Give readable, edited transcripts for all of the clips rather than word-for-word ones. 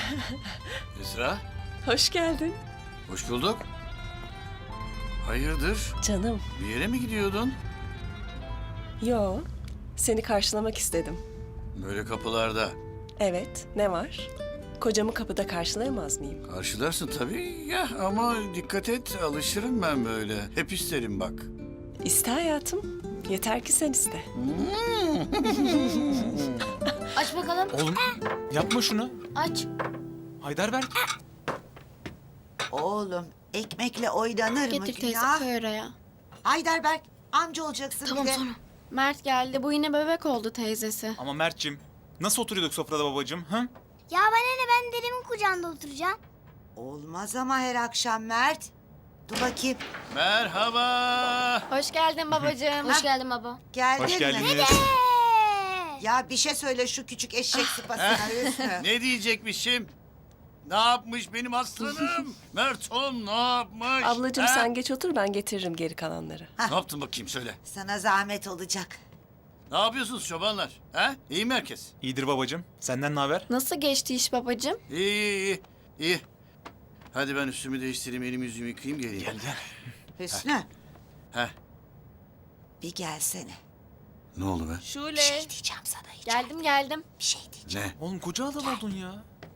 Esra, Hoş geldin. hoş bulduk. Hayırdır? Canım. Bir yere mi gidiyordun? Yo. Seni karşılamak istedim. Böyle kapılarda. Evet. Ne var? Kocamı kapıda karşılayamaz mıyım? Karşılarsın tabii ya ama dikkat et, alışırım ben böyle. Hep isterim bak. İste hayatım. Yeter ki sen iste. Aç bakalım. Oğlum yapma şunu. Aç. Heidelberg. Oğlum ekmekle oynanır mı Getir teyze günah? koy oraya. Heidelberg amca olacaksın Tamam bir de. sonra. Mert geldi. Bu yine bebek oldu teyzesi. Ama Mert'cim nasıl oturuyorduk sofrada babacığım? Hı? Ya ben dedemin kucağında oturacağım. Olmaz ama her akşam Mert. Dur bakayım. Merhaba. Hoş geldin babacığım. Hoş geldin baba. Geldin Hoş mi? geldiniz. Ya bir şey söyle şu küçük eşek sıpasına Hüsnü. Ne diyecekmişim? Ne yapmış benim aslanım? Merton ne yapmış? Ablacığım He? sen geç otur, ben getiririm geri kalanları. Ne yaptın bakayım söyle. Sana zahmet olacak. Ne yapıyorsunuz çobanlar? He? İyi mi herkes? İyidir babacığım. Senden ne haber? Nasıl geçti iş babacığım? İyi. Hadi ben üstümü değiştireyim, elimi yüzümü yıkayayım geleyim. Gel. Hüsnü He? bir gelsene. Ne oldu be? Bir Şule. şey diyeceğim sana hiç. Geldim. Bir şey diyeceğim. Ne? Oğlum koca adam oldun ya.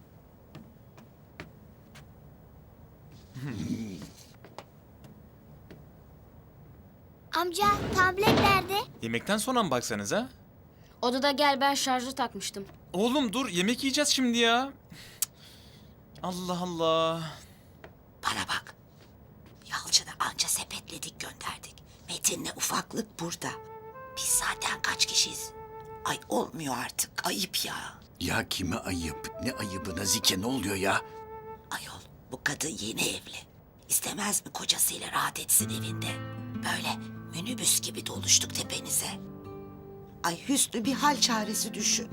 Amca tablet nerede? Yemekten sonra mı baksanız ha? Odada gel ben şarjı takmıştım. Oğlum dur yemek yiyeceğiz şimdi ya. Cık. Allah Allah. Bana bak. Yalçın'ı anca sepetledik gönderdik. Metin'le ufaklık burada. Biz zaten kaç kişiyiz? Ay olmuyor artık. Ayıp ya. Ya kime ayıp? Ne ayıbı Nazike, ne oluyor ya? Ayol bu kadın yeni evli. İstemez mi kocasıyla rahat etsin evinde? Böyle minibüs gibi doluştuk tepenize. Ay Hüsnü bir hal çaresi düşün.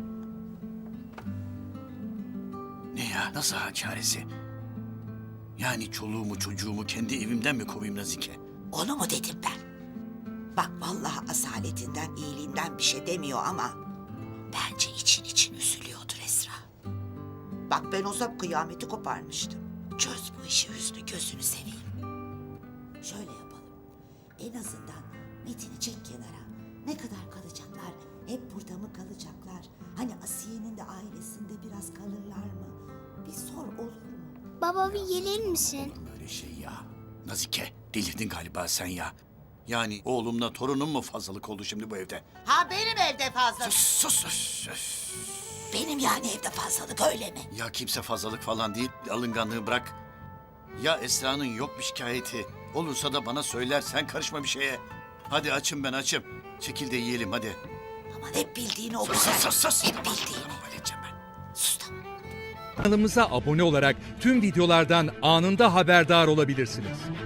Ne ya? Nasıl hal çaresi? Yani çoluğumu çocuğumu kendi evimden mi kovayım Nazike? Onu mu dedim ben? Bak vallahi asaletinden, iyiliğinden bir şey demiyor ama... ...bence için üzülüyordur Esra. Bak ben olsam kıyameti koparmıştım. Çöz bu işi Hüsnü, gözünü seveyim. Şöyle yapalım. En azından Metin'i çek kenara. Ne kadar kalacaklar? Hep burada mı kalacaklar? Hani Asiye'nin de ailesinde biraz kalırlar mı? Bir sor olur mu? Baba bir gelir misin? Böyle şey ya. Nazike, delirdin galiba sen ya. Yani oğlumla torunum mu fazlalık oldu şimdi bu evde? Ha benim evde fazla. Sus. Benim yani evde fazlalık öyle mi? Ya kimse fazlalık falan değil, alınganlığı bırak. Ya Esra'nın yok bir şikayeti. Olursa da bana söyler, sen karışma bir şeye. Hadi açım ben açım. Çekil de yiyelim hadi. Aman hep bildiğini oku. Sus. Hep bildiğini. Halledeceğim ben. Sus tamam. Kanalımıza abone olarak tüm videolardan anında haberdar olabilirsiniz.